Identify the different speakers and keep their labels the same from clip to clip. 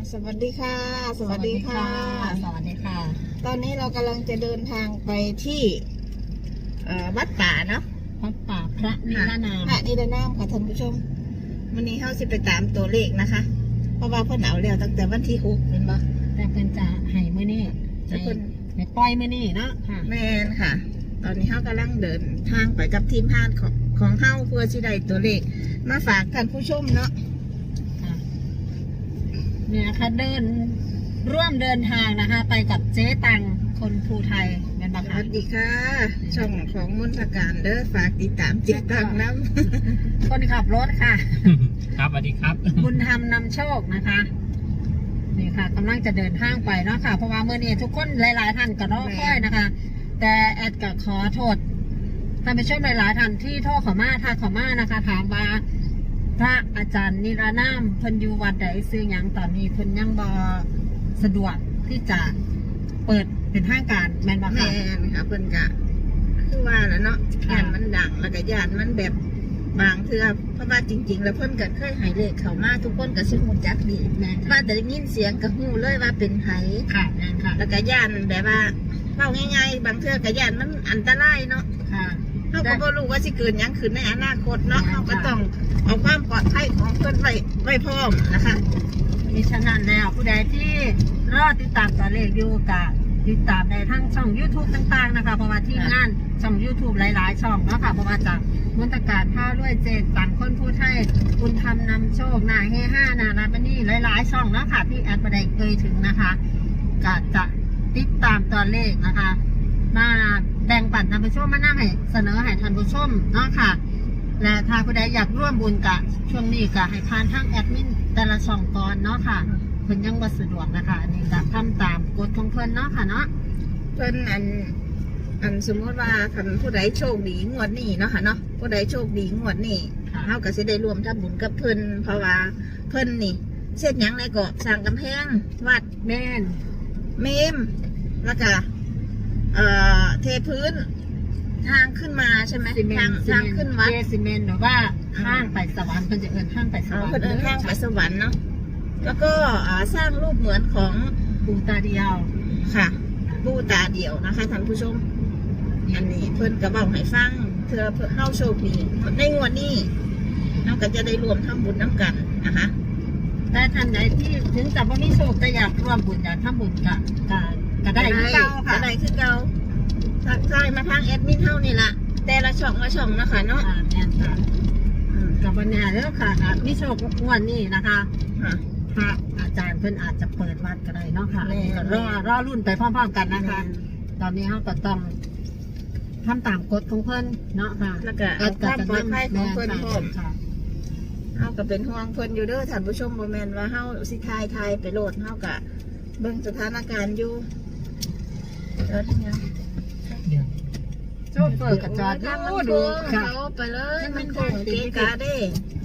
Speaker 1: สวัสดีค่ะ สวัสดีค่ะ
Speaker 2: สวัสดีค่ะ
Speaker 1: ตอนนี้เรากำลังจะเดินทางไปที่วัดป่าเนาะ
Speaker 2: วัดป่าพระนิรนาม
Speaker 1: พระนิรนามค่ะท่านผู้ชมวันนี้เขาสิไปตามตัวเลขนะคะ เพราะว่าเพิ่นเอาแล้วตั้งแต่วันที่6เป็นบ่
Speaker 2: แต่เพิ่นจะให้มื้อนี้
Speaker 1: แต่เพิ่น
Speaker 2: ให้ปล่อยมื้อนี้เนาะค่ะ
Speaker 1: แม่นค่ะ ตอนนี้เขากำลังเดินทางไปกับทีมงานของเฮาเพื่อสิได้ตัวเลขมาฝากท่านผู้ชมเนาะ
Speaker 2: ค่ะเนี่ยค่ะร่วมเดินทางนะคะ ไปกับเจ๊ตังคนภูไทยเป็น
Speaker 1: ส
Speaker 2: ปะคะ
Speaker 1: วัสดีค่ะ ช่องของมนตการเด้อฝากติดตามติดตามน้ำ
Speaker 2: คนขับรถค่ะ
Speaker 3: ครับสวัสดีครับ
Speaker 2: บุญธรรมนำโชคนะคะนี่ค่ะกำลังจะเดินทางไปเนาะค่ะเพราะว่าเมื่อนี้ทุกคนหลายๆท่านก็รอคอยนะคะ แต่แอดก็ขอโทษท่านผู้ชมหลายๆท่านที่โทรเข้ามาทักเข้ามานะคะ ถามว่าพระอาจารย์นิรนามเพิ่นอยู่วัดใดซื้อหยังตอนนี้เพิ่นยังบ่สะดวกที่จะเปิดเป็นทางการแม่นบ่
Speaker 1: แม่
Speaker 2: คะ
Speaker 1: นค่ะเพิ่นกะคือว่าแล้วเนาะ
Speaker 2: ค่ะ
Speaker 1: ยานมันดังแล้วก็ยานมันแบบบางเทื่อเพราะว่าจริง ๆ แล้วเพิ่นก็เคยให้เลขเข้ามาทุกคนก็สิฮู้จักดี
Speaker 2: แม่น
Speaker 1: ว่า
Speaker 2: ค่ะ
Speaker 1: แต่ได้ยินเสียงก็ฮู้เลยว่าเป็นไผ
Speaker 2: ค่ะแม่นค่ะ
Speaker 1: แล้วก็ยานแบบว่าเว้าง่ายๆบางเทื่อก็ยานมันอันตรายเนาะ
Speaker 2: ค่ะ
Speaker 1: เฮาก็บ่รู้ว่าสิเกิดหยังขึ้นในอนาคตเนาะ
Speaker 2: ค่ะ
Speaker 1: เฮาก็ต้องเอาความปลอดภัยของเพิ่นไว้พร้อมนะคะ
Speaker 2: มีฉะนั้นแล้วผู้ใดที่รอติดตามตัวเลขอยู่กับติดตามในทั้งช่อง YouTube ต่างๆนะคะเพราะว่าที่งานช่อง YouTube หลายๆช่องเนาะค่ะเพราะว่าจากมนตการผ้าด้วยเจนต่างคนผู้ไทยบุญธรรมนำโชคนาเฮห้านาราบนี่หลายๆช่องเนาะค่ะที่แอดประเดเคยถึงนะคะก็จะติดตามตัวเลขนะคะมาแบ่งปันท่านผู้ชมมานั่งให้เสนอให้ท่านผู้ชมเนาะค่ะ และถ้าผู้ใดอยากร่วมบุญกับช่วงนี้ก็ให้ผ่านทางแอดมินแต่ละช่องก่อนเนาะค่ะเพิ่นยังบ่สะดวกนะคะอันนี้ก็ทำตามกฎของเพิ่นเนาะค่ะเนาะ
Speaker 1: เพิ่นอันสมมติว่าคันผู้ใดโชคดีงวดนี้เนาะค่ะเนาะผู้ใดโชคดีงวดนี้
Speaker 2: ค่ะ
Speaker 1: เฮาก็สิได้รวมทำบุญกับเพิ่นเพราะว่าเพิ่นนี่เช็ดหยังไรก็สร้างกำแพงวัด
Speaker 2: แม่น
Speaker 1: เมมแล้วก็เทพื้นทางขึ้นมาใช่ไหม
Speaker 2: ซีเมน
Speaker 1: ทางขึ้นวัด
Speaker 2: เทซีเมนต์หรือว่าห้างไปสวรรค์เพิ่นจะเอิ้นห้างไปสวรรค์
Speaker 1: เพิ่นเดินทางไปสวรรค์เนาะแล้วก็สร้างรูปเหมือนของ
Speaker 2: ปูตาเดียว
Speaker 1: ค่ะปูตาเดี่ยวนะคะท่านผู้ชม อันนี้เพิ่นก็บอกให้ฟังเพื่อเฮาโชคดีในงวดนี้เราก็จะได้รวมทำบุญน้ำกันนะคะ
Speaker 2: แต่ท่านใดที่ถึงจะบ่มีโชคแต่อยากร่วมบุญอยากทำบุญก็ได้คือเก่าค่ะ
Speaker 1: ก็ได้คือเก่าทักทายมาทางแอดมินเท่านี่ล่ะแต่ละช่องละช่องนะคะเนาะ
Speaker 2: ค่ะแม่นค่ะกับวันนี้แล้วค่ะมีโชคงวดนี้นะคะ
Speaker 1: ค่ะ
Speaker 2: พระอาจารย์เพิ่นอาจจะเปิดวัดก็ได้เนาะค่ะ
Speaker 1: แม่
Speaker 2: ก็รอรุ่นไปพร้อมๆกันนะคะ ตอนนี้เขาก็ต้องทำตามกฎของเพิ่นเนาะค่ะ
Speaker 1: แล้วก็เอาความปลอดภัยของเพิ่นพร้อม
Speaker 2: ค่ะ
Speaker 1: เฮาก็เป็นห่วงเพิ่นอยู่เด้อท่านผู้ชมบ่แม่นว่าเฮาสิทายไปโลดเฮาก็เบิ่งสถานการณ์อยู่เดี๋ยวนี้
Speaker 2: โชคเปิดกระจอด
Speaker 1: ทางมัน
Speaker 2: ดู
Speaker 1: ดู
Speaker 2: ค่ะ
Speaker 1: เขาไปเลย
Speaker 2: ให้มั
Speaker 1: มัน
Speaker 2: น
Speaker 1: คงเกะกะเด้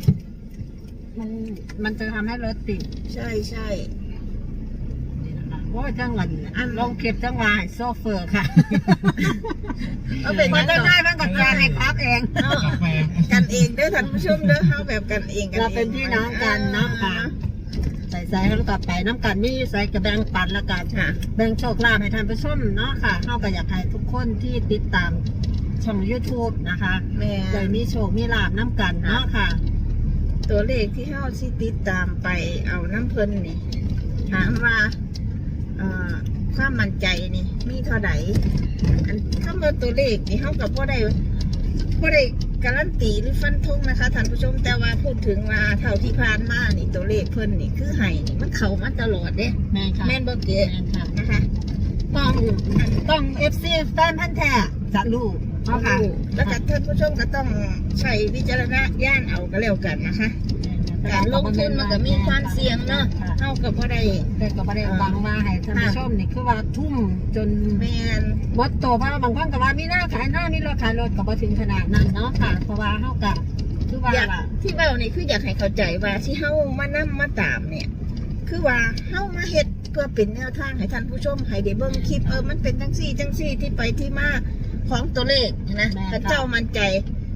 Speaker 2: มันจะทำให้รถติด
Speaker 1: ใช่ใช่
Speaker 2: โอ้ยจังหวัดลงเก็บจังหวะให้โซเฟอร์ค่ะ
Speaker 1: เอาเป็น
Speaker 2: มั
Speaker 1: ยั
Speaker 2: น
Speaker 1: ง
Speaker 2: จะ
Speaker 1: ไง
Speaker 2: ได้มันกับการให้ครับเอง
Speaker 3: กาแฟ
Speaker 1: กันเองเด้อท่านผู้ชมเด้อเฮาแบบกันเองกัน
Speaker 2: เราเป็นพี่น้องกันเนาะค่ะ ใส่ให้เรากลับไปน้ำกันมีใส่กระแบงปันละกัน
Speaker 1: ค่ะ
Speaker 2: แบ่งโชคลาภให้ท่านผู้ชมเนาะค่ะเข้าก็อยากให้ทุกคนที่ติดตามช่อง YouTube นะคะ
Speaker 1: แม่
Speaker 2: ได้มีโชคมีลาภน้ำกันเนาะค่ะ
Speaker 1: ตัวเลขที่เฮาสิติดตามไปเอาน้ำเพิ่นนี่ถามว่าความมั่นใจนี่มีเท่าไหร่อันคำว่าตัวเลขนี่เฮากับบ่ได้การันตีหรือฟันธงนะคะท่านผู้ชมแต่ว่าพูดถึงว่าเท่าที่ผ่านมานี่ตัวเลขเพิ่นนี่คือให้นี่มันเข้ามาตลอดเด้
Speaker 2: แม่นค่ะ
Speaker 1: แม่นบ่เก๋
Speaker 2: แม่นค่ะ
Speaker 1: นะคะ
Speaker 2: ต้อง FC แฟนพันธุ์แท้จะรู้เนาะค่ะ
Speaker 1: แล้วก็ท่านผู้ชมก็ต้องใช้วิจารณญาณเอาก็แล้วกันนะคะการลงทุนมันก็มีความเสี่ยงเนาะเท่ากับว่าได้
Speaker 2: แต่ก็บ่ได้บังมาให้ท่านผู้ชมนี่คือว่าทุ่มจน
Speaker 1: แมน
Speaker 2: หมดตัวเพราะว่าบางคนก็ว่ามีหน้าขายหน้ามีรถขายรถก็บ่ถึงขนาดนั้นเนาะค่ะ เพราะว่าเฮาก็คือว่า
Speaker 1: อยาก
Speaker 2: ล่ะ
Speaker 1: ที่เว้านี่คืออยากให้เข้าใจว่าที่เฮามานํมาตามเนี่ย คือว่าเฮามาเฮ็ดเพื่อเป็นแนวทางให้ท่านผู้ชมให้ได้เบิ่งคลิปมันเป็นจังซี่ที่ไปที่มาของตัวเลขนะพระเจ้ามั่นใจ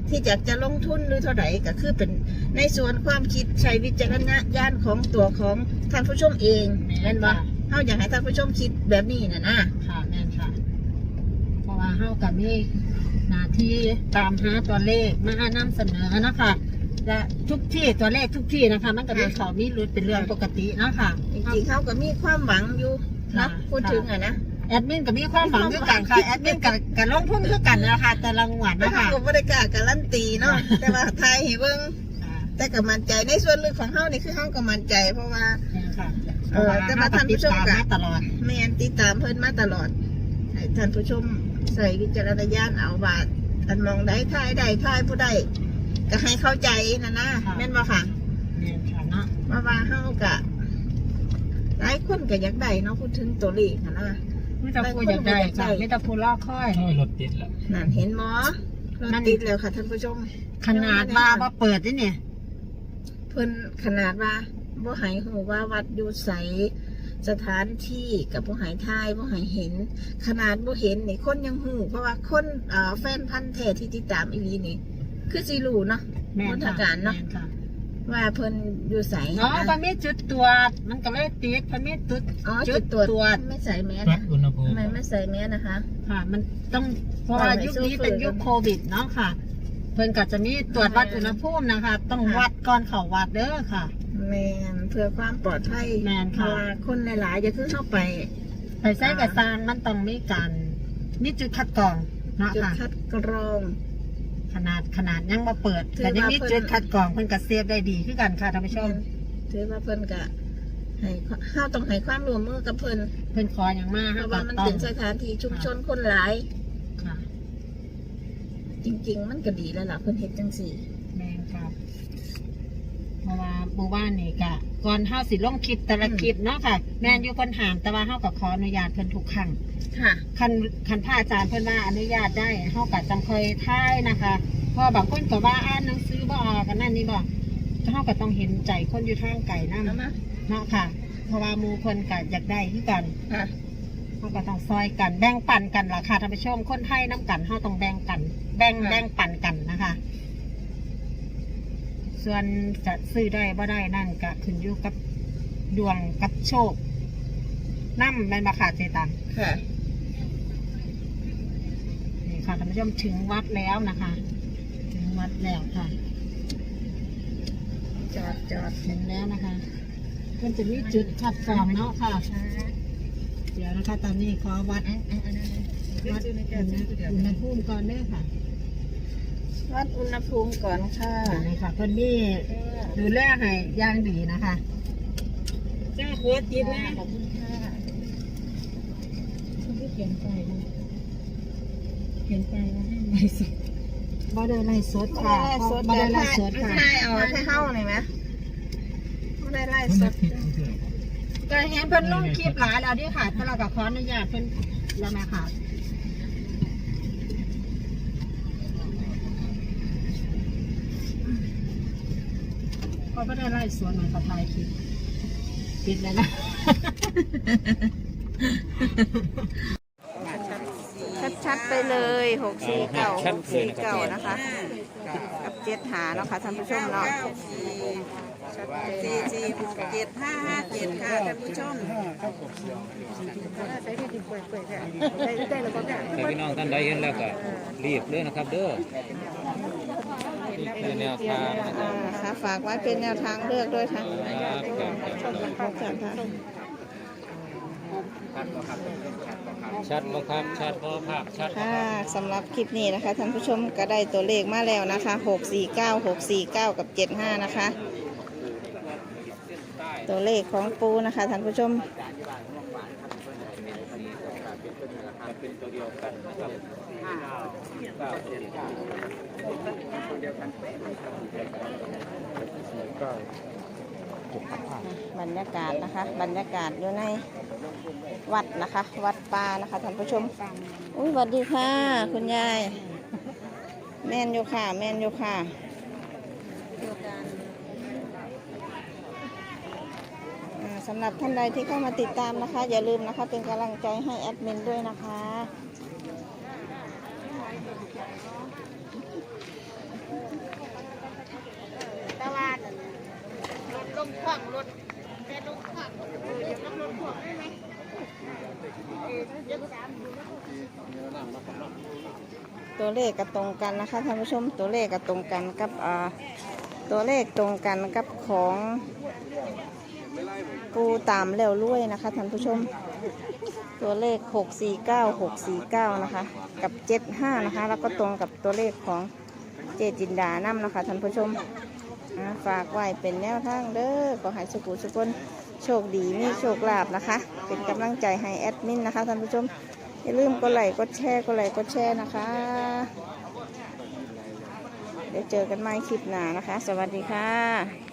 Speaker 1: ที่อยากจะลงทุนหรือเท่าไหร่ก็คือเป็นในส่วนความคิดใช้วิจารณญาณของตัวของท่านผู้ชมเองแม่นบ่เฮาอยากให้ท่านผู้ชมคิดแบบนี้นะ
Speaker 2: ค่ะแม่นค่ะเพราะว่าเฮากับมีหน้าที่ตามหาตัวเลขมานำเสนอนะคะและทุกที่ตัวเลขทุกที่นะคะมันก็มีเขามีรุดเป็นเรื่องปกติเนาะค่ะ
Speaker 1: จริงๆเขาก็มีความหวังอยู่นะพูดถึงนะ
Speaker 2: แอดมินก็มีความหวังด้วยกันค่ะแอดมินกับลงทุนคือกันนะคะแต่ละงวดนะคะ
Speaker 1: ก็บ่ได้กล้าการันตีเนาะแต่ว่าทายให้เบิ่งแต่ก็มั่นใจในส่วนลึกของเฮานี่คือเฮาก็มั่นใจเพราะว่าแต่ว่าท่านผู้ชมก็
Speaker 2: ตลอด
Speaker 1: แม่นติดตามเพิ่นมาตลอดให้ท่านผู้ชมใส่วิจารณญาณเอาว่าอันมองได้ทายได้ทายผู้ใดก็ให้เข้าใจนะแม่นบ่ค่ะ
Speaker 2: แม่นค่ะเนาะ
Speaker 1: ว่าเฮาก็หลายคนก็อยากได้เนาะพูดถึงตัวเลขนะ
Speaker 2: ไม่ต้องพูดอยากได้ค่ะไม่ต้องพูดลอกค่อย
Speaker 3: รถติดแล้ว
Speaker 1: นั่นเห็นหมอรถติดแล้วค่ะท่านผู้ชม
Speaker 2: ขนาดว่าเปิดนี่เนี่ย
Speaker 1: เพิ่นขนาดว่าบ่ให้ฮู้ว่าวัดอยู่ไสสถานที่กับบ่ให้ทายบ่ให้เห็นขนาดบ่เห็นนี่คนยังฮู้เพราะว่าคนแฟนพันธุ์แท้ที่ติดตามอีหลีนี่คือสิรู้เนาะมนทการเนาะว่าเพิ่นอยู่ไส
Speaker 2: เนาะพระมีจุดตรวจมันก็เลยติดพระมีจุดตรวจ
Speaker 1: ไม่ใส่แมสนะไม่ใส่แมสนะคะ
Speaker 2: ค่ะมันต้องเพราะว่ายุคนี้เป็นยุคโควิดเนาะค่ะเพิ่นก็จะมีตรวจวัดอุณหภูมินะคะต้องวัดก่อนเข้าวัดเด้อค่ะ
Speaker 1: แมนเพื่อความปลอดภัย
Speaker 2: แมนค่ะ
Speaker 1: คนหลายๆจะขึ้นเข้าไป
Speaker 2: ใส่กระซางมันต้องมีการมีจุดคัดกรองเนาะค่ะ
Speaker 1: จุดคัดกรอง
Speaker 2: ขนาดยังมาเปิดแต่ยังมีจุดคัดกรองเพิ่นก็เซฟได้ดีคือกันค่ะท่านผู้ชม
Speaker 1: ถือว่าเพิ่นก็ให้เฮาต้องให้ความร่วมมือกับเพิ่
Speaker 2: นขออย่างมาก
Speaker 1: เพราะว่ามันเป็นสถานที่ชุมชนคนหลาย
Speaker 2: ค่ะ
Speaker 1: จริงๆมันก็ดีแล้วล่ะเพิ่นเฮ็ดจังซี่
Speaker 2: แม่นค่ะเพราะว่าหมู่บ้านนี่ก็ก่อนเฮาสิลงคลิปแต่ละคลิปเนาะค่ะแม่นอยู่คนถามแต่ว่าเฮาก็ขออนุญาตเพิ่นทุกครั้ง
Speaker 1: ค่ะ
Speaker 2: คันพระอาจารย์เพิ่นว่าอนุญาตได้เฮาก็จังค่อยถ่ายนะคะเพราะบางคนก็ว่าอ่านหนังสือบ่ออกกันนั่นนี่บ่เฮาก็ต้องเห็นใจคนอยู่ทางไกลนำเนาะค่ะเพราะว่าหมู่เพิ่นก็อยากได้คือกัน
Speaker 1: ค่ะ
Speaker 2: เฮาก็ต้องซอยกันแบ่งปันกันล่ะค่ะท่านผู้ชมคนไทยนํกันเฮาต้องแบ่งกันแบ่งปันกันนะคะส่วนจะซื้อได้บ่ได้นั่นก็ขึ้นอยู่กับดวงกับโชคนำแม่นบ่ค่ะเจตัง
Speaker 1: ค่ะ
Speaker 2: นี่ค่ะท่านผู้ชมถึงวัดแล้วนะคะถึงวัดแล้วค่ะ
Speaker 1: จอด
Speaker 2: ถึงแล้วนะคะมันจะมีจุดคัดกรองเนาะค่ะเดี๋ยวนะคะตอนนี้ขอวัดอุณหภูมิก่อนเด้อค่ะ
Speaker 1: วัดอุณหภูมิก่อนค่ะ
Speaker 2: นี่ค่ะเพิ่นนี่ดูแลให้ย่างดีนะคะจ้าโค้ดจิตนะ
Speaker 1: ขอบคุณค่ะ
Speaker 2: คุณที่เขียนไปว่าให้ไลฟ์สดบ่ได้ไลฟ์สดค่ะบ่ได้ไลฟ์สดค่ะ
Speaker 1: ใช่เอาให้เข้าหน่อยไหมบ่ได้ไลฟ์สด
Speaker 2: ก็เห็นเพิ่นลงคลิปหลายแล้วดิค่ะถ้าเราก็ขออนุญาตเพิ่นแล้วแม่ค่ะพอไม่ได้ไล่สวนมันก็ถ่ายคลิปปิดเลยนะ
Speaker 1: ชัดๆไปเลย649นะคะกับ7หาเนาะค่ะท่านผู้ชมเนาะ447 557ค่ะท่านผู้ชม
Speaker 3: พี่น้องท่านใดเห็นแล้วก็รีบเลยนะครับเด้อแนวทาง
Speaker 1: ค่ะฝากไว้เป็นแนวทางเลือกด้วยค่ะ
Speaker 3: ชัดบ่ครับชัดบ่ภาพชัด
Speaker 1: ค่ะสำหรับคลิปนี้นะคะท่านผู้ชมก็ได้ตัวเลขมาแล้วนะคะ649กับ75นะคะตัวเลขของปูนะคะท่านผู้ชมบรรยากาศนะคะบรรยากาศอยู่ในวัดนะคะวัดป่านะคะท่านผู้ชมอุ้ยสวัสดีค่ะคุณยายแม่นอยู่ค่ะแม่นอยู่ค่ะสำหรับท่านใดที่เข้ามาติดตามนะคะอย่าลืมนะคะเป็นกำลังใจให้แอดมินด้วยนะคะมขวางรถแม่ลงขวางเดี๋ยวรถขวางได้ไหมตัวเลขก็ตรงกันนะคะท่านผู้ชมตัวเลขก็ตรงกันกับตัวเลขตรงกันกับของปูตามแล้วรวยนะคะท่านผู้ชมตัวเลข649นะคะกับ75นะคะแล้วก็ตรงกับตัวเลขของเจจินดานํนะคะท่านผู้ชมฝากไว้เป็นแนวทางเด้อขอให้สุขุสุขคนโชคดีมีโชคลาภนะคะเป็นกำลังใจให้แอดมินนะคะท่านผู้ชมอย่าลืมกดไลค์กดแชร์นะคะเดี๋ยวเจอกันใหม่คลิปหน้านะคะสวัสดีค่ะ